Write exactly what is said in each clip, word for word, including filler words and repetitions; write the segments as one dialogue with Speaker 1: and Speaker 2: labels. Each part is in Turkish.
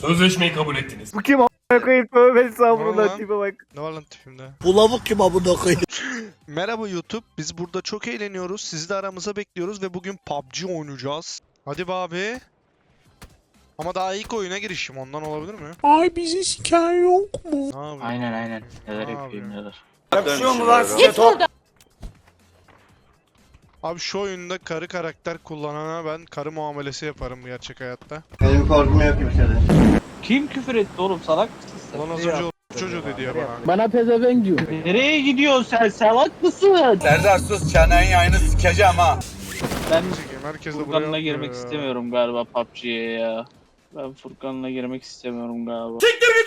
Speaker 1: Sözleşmeyi kabul ettiniz.
Speaker 2: Bu kim a**a koyayım? Tövbe
Speaker 3: Ne var
Speaker 2: estağfurullah
Speaker 3: lan?
Speaker 2: tipe bak.
Speaker 3: Ne var lan tipimde?
Speaker 4: Bu lavuk kim amına koyayım?
Speaker 3: Merhaba YouTube. Biz burada çok eğleniyoruz. Sizi de aramıza bekliyoruz ve bugün P U B G oynayacağız. Hadi be abi. Ama daha ilk oyuna girişim ondan olabilir mi?
Speaker 4: Ay bizi siken yok mu?
Speaker 3: Ne yapayım?
Speaker 5: Aynen aynen. Neler
Speaker 3: Ne
Speaker 5: yapayım
Speaker 3: yapıyor?
Speaker 5: neler.
Speaker 1: Yakışıyor mu lan size top?
Speaker 3: Abi şu oyunda karı karakter kullanana ben karı muamelesi yaparım gerçek hayatta.
Speaker 6: Benim korkum yok kimseden.
Speaker 5: Kim küfür etti oğlum, salak mısın sen?
Speaker 3: Ulan az önce o çocuğu dedi ya bana.
Speaker 4: Bana pezevenk diyor.
Speaker 5: Nereye gidiyorsun sen, salak mısın?
Speaker 1: Serdar sus çenenin yayını sikeceğim ha.
Speaker 5: Ben
Speaker 3: Çekeyim, herkes de buraya
Speaker 5: Furkan'la
Speaker 3: atlıyor
Speaker 5: girmek
Speaker 3: ya.
Speaker 5: istemiyorum galiba P U B G'ye ya. Ben Furkan'la girmek istemiyorum galiba.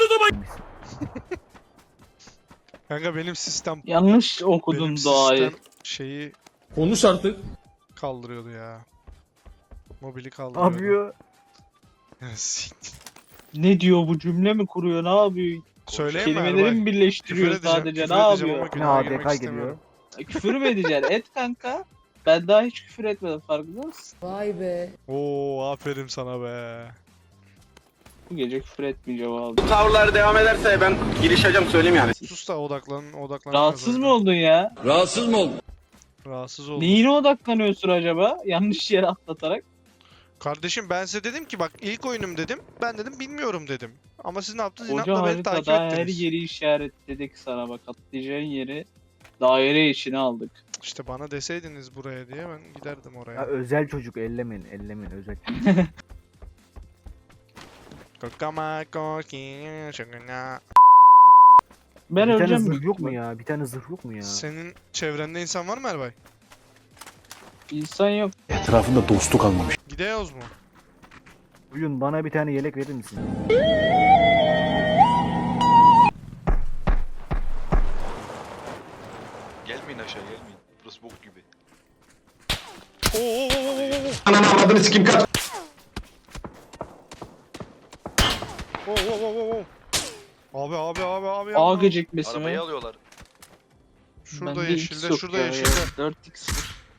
Speaker 3: Kanka benim sistem
Speaker 5: Yanlış okudum
Speaker 3: benim
Speaker 5: doğayı.
Speaker 3: sistem şeyi
Speaker 1: Konuş artık.
Speaker 3: kaldırıyordu ya. Mobili
Speaker 2: Ne
Speaker 3: kaldırıyordu.
Speaker 2: yapıyor?
Speaker 3: Siktir.
Speaker 5: Ne diyor bu, cümle mi kuruyor, ne yapıyor?
Speaker 3: Söyleyeyim mi
Speaker 5: Kelimeleri
Speaker 3: Erbay?
Speaker 5: mi birleştiriyor
Speaker 3: Küfür edeceğim,
Speaker 5: sadece,
Speaker 3: küfür
Speaker 5: ne
Speaker 3: edeceğim
Speaker 5: yapıyor?
Speaker 3: ama
Speaker 2: Ne
Speaker 3: günaha girmek
Speaker 2: A D K
Speaker 3: istemiyorum.
Speaker 2: geliyor.
Speaker 5: Küfür mü edeceksin? Et kanka. Ben daha hiç küfür etmedim, farkında mısın?
Speaker 7: Vay be.
Speaker 3: Oo aferin sana be.
Speaker 5: Bu gece küfür etmeyeceğim abi.
Speaker 1: Bu tavırlar devam ederse ben girişeceğim söyleyeyim yani.
Speaker 3: Sus da odaklan, odaklan.
Speaker 5: Rahatsız mı oldun ya?
Speaker 1: Rahatsız mı oldun?
Speaker 3: Rahatsız oldum.
Speaker 5: Neyine odaklanıyorsun acaba? Yanlış yere atlatarak.
Speaker 3: Kardeşim ben size dedim ki bak ilk oyunum dedim. Ben dedim bilmiyorum dedim. Ama siz ne yaptınız?
Speaker 5: Koca
Speaker 3: İnatla beni takip
Speaker 5: haritada her
Speaker 3: ettiniz.
Speaker 5: yeri işaretledik sana, bak atlayacağın yeri daire içine aldık.
Speaker 3: İşte bana deseydiniz buraya diye ben giderdim
Speaker 2: Ya
Speaker 3: oraya.
Speaker 2: özel çocuk ellemeyin ellemeyin özel.
Speaker 3: Kokama kokin şakına.
Speaker 5: Ben
Speaker 2: Bir tane
Speaker 5: öleceğim.
Speaker 2: zırh yok mu ya? Bir tane zırh yok mu ya?
Speaker 3: Senin çevrende insan var mı Erbay?
Speaker 5: İnsan yok.
Speaker 4: Etrafında dostluk kalmamış.
Speaker 3: Gideyoz mu?
Speaker 2: Bugün bana bir tane yelek verir misin?
Speaker 8: Gelmeyin aşağı gelmeyin. Burası bok gibi.
Speaker 3: Oo, oo, oo, oo, oo.
Speaker 1: Ananı avradını sikim kaç.
Speaker 3: Oo, oo, oo, oo, oo. Abi abi abi abi.
Speaker 5: A
Speaker 3: abi.
Speaker 5: gecikmesi mi?
Speaker 8: Arabayı alıyorlar.
Speaker 3: Şurada
Speaker 5: Bende X
Speaker 3: yeşilde,
Speaker 5: yok
Speaker 3: şurada
Speaker 5: ya,
Speaker 3: yeşilde.
Speaker 5: ya. dört x.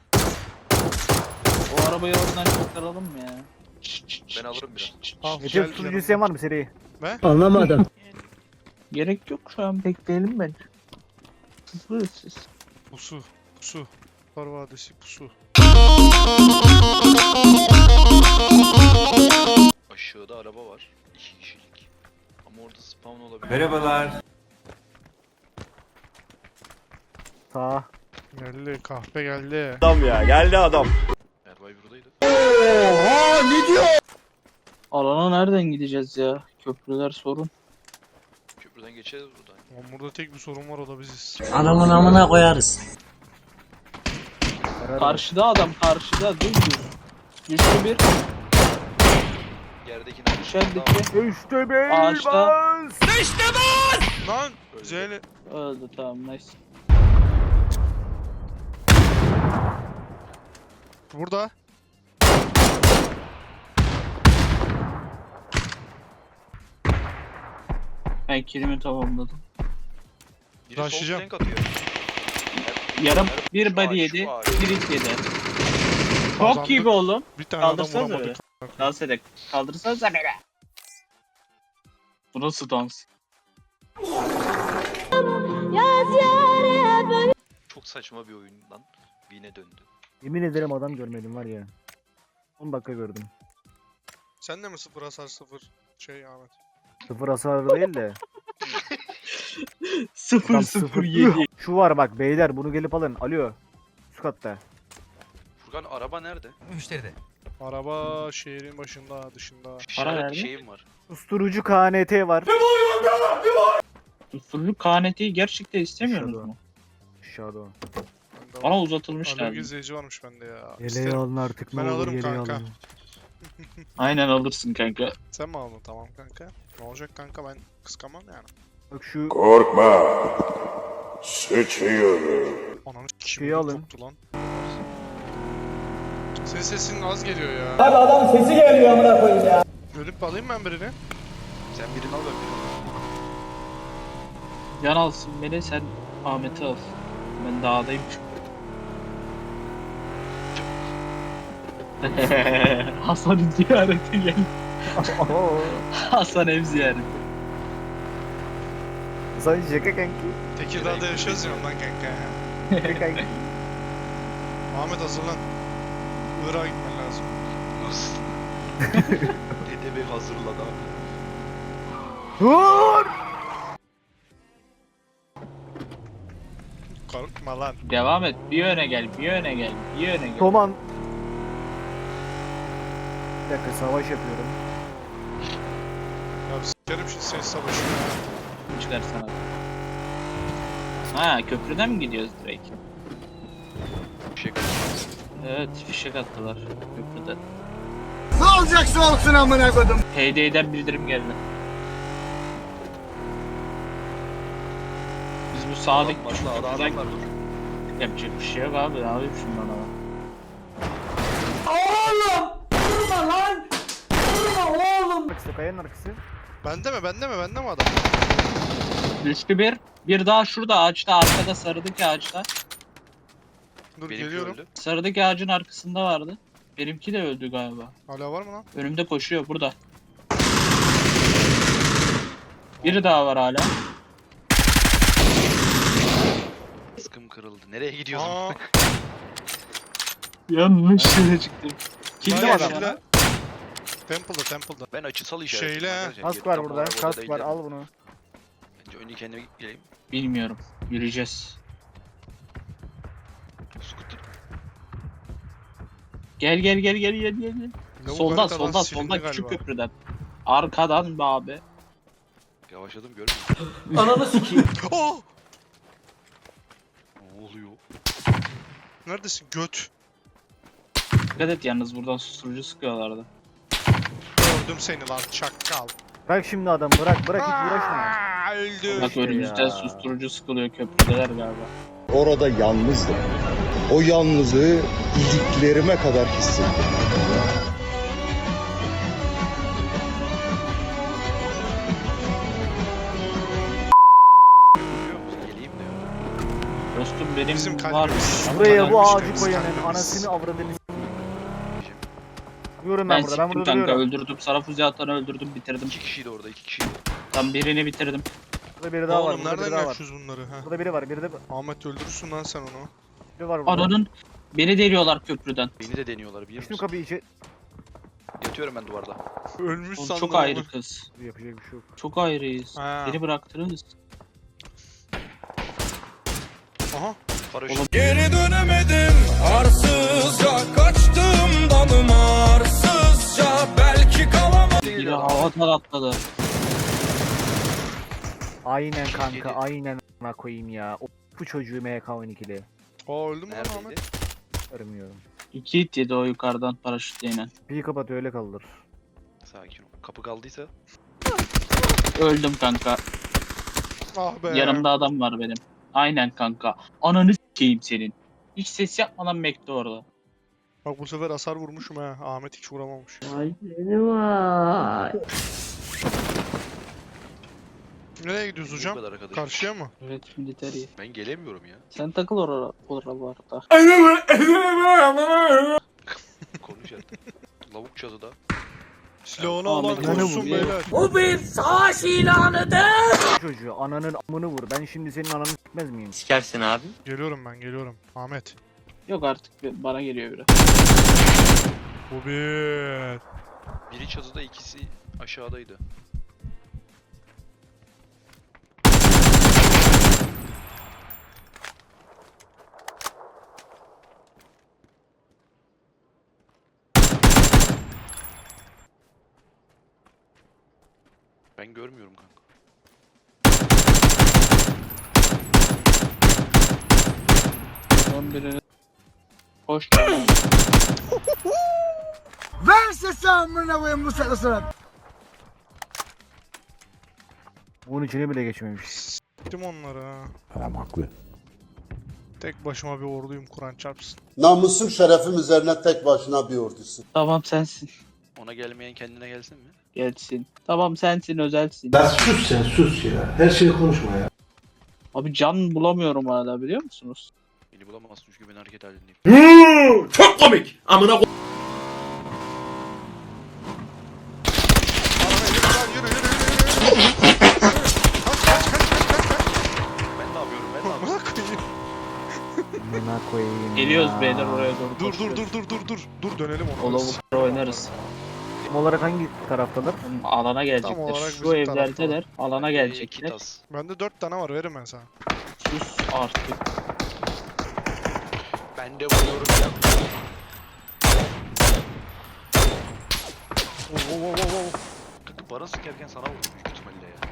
Speaker 5: O arabayı oradan çıkaralım mı ya?
Speaker 8: Ben alırım biraz.
Speaker 3: Al,
Speaker 2: Recep
Speaker 3: gel
Speaker 2: sunucu
Speaker 3: yanıma.
Speaker 2: isteyen var mı seri?
Speaker 4: Anlamadım.
Speaker 5: Gerek yok, şu an bekleyelim ben. Hızlıyız siz.
Speaker 3: Pusu, pusu. Kar Vadisi pusu.
Speaker 8: Aşağıda araba var. İki kişilik. Ama orada spawn olabilir.
Speaker 1: Merhabalar.
Speaker 2: Sağ.
Speaker 3: Geldi, kahpe geldi.
Speaker 1: Adam ya geldi adam.
Speaker 8: Erbay buradaydı.
Speaker 5: Alana nereden gideceğiz ya? Köprüler sorun.
Speaker 8: Köprüden geçeriz buradan.
Speaker 3: Lan burada tek bir sorun var, o da biziz.
Speaker 4: Anamın amına koyarız.
Speaker 2: Karar ver.
Speaker 5: Karşıda adam, karşıda dur dur. Düştü bir.
Speaker 8: Yerdekini
Speaker 5: Dışarıdaki
Speaker 2: İşte bey
Speaker 5: Ağaçta.
Speaker 2: bas.
Speaker 3: Lan! Zeynep.
Speaker 5: öldü, tamam nice.
Speaker 3: Burada.
Speaker 5: Ben kilimi tamamladım.
Speaker 8: biri sol
Speaker 3: Rushlayacağım.
Speaker 8: flank atıyor.
Speaker 5: Yarım
Speaker 8: Erb-
Speaker 5: bir
Speaker 8: şu
Speaker 5: body
Speaker 8: ağaç,
Speaker 5: yedi,
Speaker 8: şu ağaç.
Speaker 5: bir hit yedi.
Speaker 3: Kazandık.
Speaker 5: Çok iyi be oğlum.
Speaker 3: Bir tane adam
Speaker 5: Kaldırsanıza
Speaker 3: vuramadık.
Speaker 5: Dans edek. Kaldırsanıza beni. Bu nasıl dans?
Speaker 8: Çok saçma bir oyundan Vine döndü.
Speaker 2: Yemin ederim adam görmedim var ya. on dakika gördüm.
Speaker 3: Sen de mi sıfır hasar sıfır şey Ahmet?
Speaker 2: Sıfır hasar değil de.
Speaker 5: sıfır
Speaker 2: Tam
Speaker 5: sıfır yedi.
Speaker 2: Şu var bak beyler bunu gelip alın. Alo. Üst katta.
Speaker 8: Furkan araba nerede?
Speaker 3: Araba şehrin başında, dışında.
Speaker 8: İşaret
Speaker 5: nerede?
Speaker 8: bir şeyim var.
Speaker 2: Susturucu K N T var.
Speaker 5: Usulü K N T'yi gerçekten istemiyorsunuz
Speaker 2: Aşağıda.
Speaker 5: mu?
Speaker 2: Aşağıda. o.
Speaker 3: Bende
Speaker 5: Bana
Speaker 3: var.
Speaker 5: uzatılmış
Speaker 3: Alo
Speaker 5: lazım.
Speaker 3: izleyici varmış bende ya.
Speaker 2: Yeleği
Speaker 3: İsterim.
Speaker 2: alın artık ne
Speaker 3: Ben
Speaker 2: olur
Speaker 3: alırım
Speaker 2: yeleği
Speaker 3: kanka.
Speaker 2: alın.
Speaker 5: Aynen alırsın kanka.
Speaker 3: Sen mi aldın? Tamam kanka. Ne olacak kanka, ben kıskamam yani.
Speaker 2: Bak şu
Speaker 9: Korkma. Sıçıyorum.
Speaker 3: Ananı
Speaker 2: Şeyi
Speaker 3: kim
Speaker 2: alın.
Speaker 3: koptu lan. Senin sesin az geliyor ya.
Speaker 10: Abi adam sesi geliyor amına koyayım ya.
Speaker 3: Ölüp alayım ben birini.
Speaker 8: Sen birini al ben birini.
Speaker 5: Can alsın beni, sen Ahmet'i al. Ben dağdayım çünkü. Hasan'ın ziyareti geldi. Hasan ev ziyareti.
Speaker 2: Sen şaka kanki.
Speaker 3: Tekirdağ'da yaşıyoruz ya ondan kanka ya.
Speaker 2: Şaka kanki.
Speaker 3: Ahmet hazırlan. Irak'a gitmen lazım.
Speaker 8: Edebi hazırladı abi.
Speaker 2: Dur!
Speaker 3: Korkma lan.
Speaker 5: Devam et. Bir öne gel, bir öne gel, bir öne gel.
Speaker 2: Toman. Bir dakika savaş yapıyorum.
Speaker 3: Ya sikerim şu ses savaşı ya.
Speaker 5: Çıkar sana. Ha, köprüden mi gidiyoruz direkt?
Speaker 8: Bir şey
Speaker 5: Evet, fişek attılar köprüden.
Speaker 10: Ne olacaksa olsun amına koydum.
Speaker 5: Heydey'den bildirim geldi. Biz bu sağdaki
Speaker 8: Başla
Speaker 5: köprüden
Speaker 8: adamlar dur.
Speaker 5: yapacak bir şey yok abi. Ne yapayım şimdi ona?
Speaker 10: Oğlum! Durma lan! Durma oğlum!
Speaker 2: Arkası kayanın arkası.
Speaker 3: Bende mi bende mi bende mi adam?
Speaker 5: Düştü bir. Bir daha şurada ağaçta, arkada sarıdaki ağaçta.
Speaker 3: Dur
Speaker 8: Benimki
Speaker 3: geliyorum.
Speaker 8: öldü.
Speaker 5: Sarıdaki ağacın arkasında vardı. Benimki de öldü galiba.
Speaker 3: Hala var mı lan?
Speaker 5: Önümde koşuyor burada. Biri daha var hala.
Speaker 8: Sıkım kırıldı. Nereye gidiyorsun?
Speaker 3: Aa,
Speaker 5: Yanlış yere çıktım. Kimde
Speaker 3: var
Speaker 5: adam?
Speaker 3: yeşille. Temple'da Temple'da.
Speaker 8: Ben açısal işaretim.
Speaker 3: Şeyle,
Speaker 8: arkadaşlar.
Speaker 2: Kask
Speaker 8: Geri
Speaker 2: var
Speaker 8: tam
Speaker 2: burada.
Speaker 8: olarak orada
Speaker 2: Kask var.
Speaker 8: değiller.
Speaker 2: Al bunu.
Speaker 8: Önce önce kendime geleyim.
Speaker 5: Bilmiyorum. Yürüyeceğiz.
Speaker 8: Scooter.
Speaker 5: Gel gel gel gel gel gel. gel.
Speaker 3: Lavuk
Speaker 5: Solda
Speaker 3: haritadan
Speaker 5: solda
Speaker 3: silindi
Speaker 5: solda küçük
Speaker 3: galiba.
Speaker 5: köprüden. Arkadan be abi.
Speaker 8: Yavaşladım görmüyor musun?
Speaker 10: Ananı sikeyim.
Speaker 3: Oh!
Speaker 8: Ne oluyor?
Speaker 3: Neredesin göt?
Speaker 5: Dikkat et yalnız buradan susturucu sıkıyorlardı.
Speaker 3: Gördüm seni lan çakal.
Speaker 2: Bırak şimdi adamı bırak bırak hiç uğraşma.
Speaker 3: Aa, öldü.
Speaker 5: Bak
Speaker 2: işte
Speaker 5: önümüzden
Speaker 2: ya.
Speaker 5: susturucu sıkılıyor köprüdeler galiba.
Speaker 6: Orada yalnızdım. O yalnızlığı iliklerime kadar hissettim.
Speaker 8: Görüyor musun? Geleyim de ya.
Speaker 5: Dostum benim
Speaker 3: Bizim
Speaker 5: var.
Speaker 3: kalbimiz.
Speaker 2: Buraya bu
Speaker 3: Kalbimiz,
Speaker 2: ağacı
Speaker 3: kalbimiz,
Speaker 2: koyanın
Speaker 3: kalbimiz.
Speaker 2: anasını avradını s**eyim. Duruyorum
Speaker 5: Ben
Speaker 2: ben burada ben
Speaker 5: siktim
Speaker 2: burada
Speaker 5: kanka
Speaker 2: duruyorum.
Speaker 5: öldürdüm. Sana füze atanı öldürdüm bitirdim.
Speaker 8: İki kişiydi orada iki kişiydi.
Speaker 5: Tam birini bitirdim.
Speaker 2: Burada biri daha var.
Speaker 3: Oğlum
Speaker 2: Burada biri
Speaker 3: nereden
Speaker 2: daha var.
Speaker 3: yaşıyoruz bunları ha?
Speaker 2: Burada biri var. Biri de
Speaker 3: Ahmet öldürürsün lan sen onu.
Speaker 2: biri var burada.
Speaker 5: Ananın beni deliyorlar köprüden.
Speaker 8: Beni de deniyorlar biliyor
Speaker 2: Düştüm
Speaker 8: musun?
Speaker 2: kapıyı içe.
Speaker 8: Yatıyorum ben duvarda.
Speaker 3: Ölmüş
Speaker 5: Oğlum
Speaker 3: sandım
Speaker 5: çok
Speaker 3: onu.
Speaker 5: ayrı kız.
Speaker 2: Yapacak bir şey yok.
Speaker 5: Çok ayrıyız.
Speaker 3: Ha.
Speaker 5: Beni bıraktınız.
Speaker 3: Aha.
Speaker 8: Paraşüt.
Speaker 10: Geri dönemedim arsızca kaçtım dalım arsızca belki kalamam.
Speaker 5: Biri havadan atladı.
Speaker 2: Aynen kanka
Speaker 8: Yedi.
Speaker 2: aynen a**ına koyayım ya. O bu çocuğu M K on ikili.
Speaker 3: Aa öldü mü lan
Speaker 8: Neredeydi?
Speaker 3: Ahmet?
Speaker 2: Görmüyorum.
Speaker 5: İki hit yedi o yukarıdan paraşütle inen.
Speaker 2: Bir kapat öyle kaldır.
Speaker 8: Sakin ol. Kapı kaldıysa.
Speaker 5: Öldüm kanka.
Speaker 3: Ah be.
Speaker 5: Yanımda adam var benim. Aynen kanka. Ananı s**eyim senin. Hiç ses yapmadan bekle orada.
Speaker 3: Bak bu sefer hasar vurmuşum ha. Ahmet hiç vuramamış.
Speaker 4: Vay seni vay.
Speaker 3: Nereye gidiyoruz
Speaker 8: Bu
Speaker 3: hocam?
Speaker 8: kadar arkadaş.
Speaker 3: Karşıya mı?
Speaker 5: Evet militeri.
Speaker 8: Ben gelemiyorum ya.
Speaker 5: Sen takıl orada oralarda.
Speaker 8: Konuş artık. Lavuk çatıda.
Speaker 3: Silahını
Speaker 5: Ahmet
Speaker 3: alan
Speaker 2: ne
Speaker 3: koşsun
Speaker 5: vuruyor?
Speaker 3: beyler.
Speaker 10: Bu bir savaş ilanıdır.
Speaker 2: Bu çocuğu ananın amını vur. Ben şimdi senin ananı s**mez miyim?
Speaker 4: Sikersin abi.
Speaker 3: Geliyorum ben geliyorum. Ahmet.
Speaker 5: Yok artık bana geliyor biri.
Speaker 3: Bu bir.
Speaker 8: Biri çatıda ikisi aşağıdaydı. Ben görmüyorum kanka.
Speaker 5: Son birini. Hoş geldin.
Speaker 10: Ver sesi amına koyayım bu sırasına.
Speaker 2: Bunun içine bile geçmemiş.
Speaker 3: Gittim onları ha.
Speaker 6: Adam haklı.
Speaker 3: Tek başıma bir orduyum Kur'an çarpsın.
Speaker 6: Namusum şerefim üzerine tek başına bir ordusun.
Speaker 5: Tamam sensin.
Speaker 8: Ona gelmeyen kendine gelsin mi?
Speaker 5: Gelsin. Tamam sensin özelsin.
Speaker 7: Ya sus sen sus ya. Her şeyi konuşma ya.
Speaker 5: Abi can bulamıyorum hala biliyor musunuz?
Speaker 8: Beni bulamazsın çünkü ben hareket halindeyim.
Speaker 7: Çok komik. Amına ko-
Speaker 5: Gidiyoruz beyler oraya doğru.
Speaker 3: Dur dur
Speaker 5: koşuyoruz.
Speaker 3: dur dur dur dur. Dur dönelim ona.
Speaker 5: O lavukları oynarız.
Speaker 2: Tam olarak hangi taraftalar?
Speaker 5: Alana gelecekler.
Speaker 3: olarak
Speaker 5: Şu
Speaker 3: bizim
Speaker 5: evlerdeler. Alana
Speaker 8: İki
Speaker 5: gelecekler.
Speaker 8: tas.
Speaker 3: Bende dört tane var, veririm ben sana.
Speaker 5: Sus artık.
Speaker 8: Ben de vuruyorum ya.
Speaker 3: Oo, oo, oo, oo, oo.
Speaker 8: Kanka bana sıkarken sana vurdum büyük ihtimalle ya.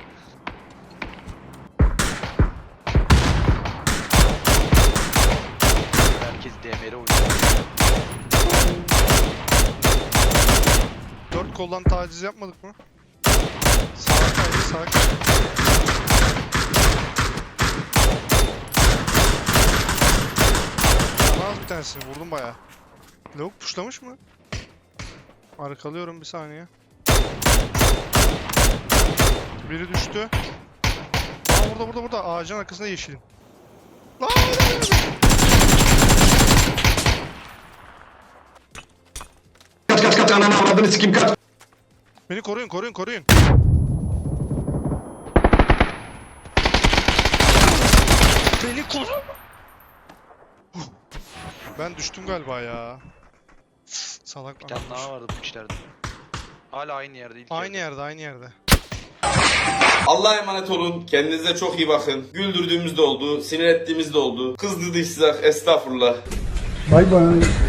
Speaker 8: Herkes D M R oynuyor.
Speaker 3: Dört koldan taciz yapmadık mı? Sağa kaydı, sağa kaydı. Bana az bir tanesini vurdum bayağı. Lavuk puşlamış mı? Arkalıyorum bir saniye. Biri düştü. Aa burada burada burada ağacın arkasında yeşilim. Lan!
Speaker 1: Kaç kaç kaç ananı avradını sikeyim kaç.
Speaker 3: Beni koruyun koruyun koruyun. Beni koru. Ben düştüm galiba ya. Salak
Speaker 8: Bir tane
Speaker 3: anam.
Speaker 8: daha vardı bu kişilerde. Hala aynı yerde ilk
Speaker 3: Aynı yerde aynı yerde.
Speaker 1: Allah'a emanet olun. Kendinize çok iyi bakın. Güldürdüğümüz de oldu. Sinir ettiğimiz de oldu. Kızdırdıysak estağfurullah.
Speaker 10: Bay bay.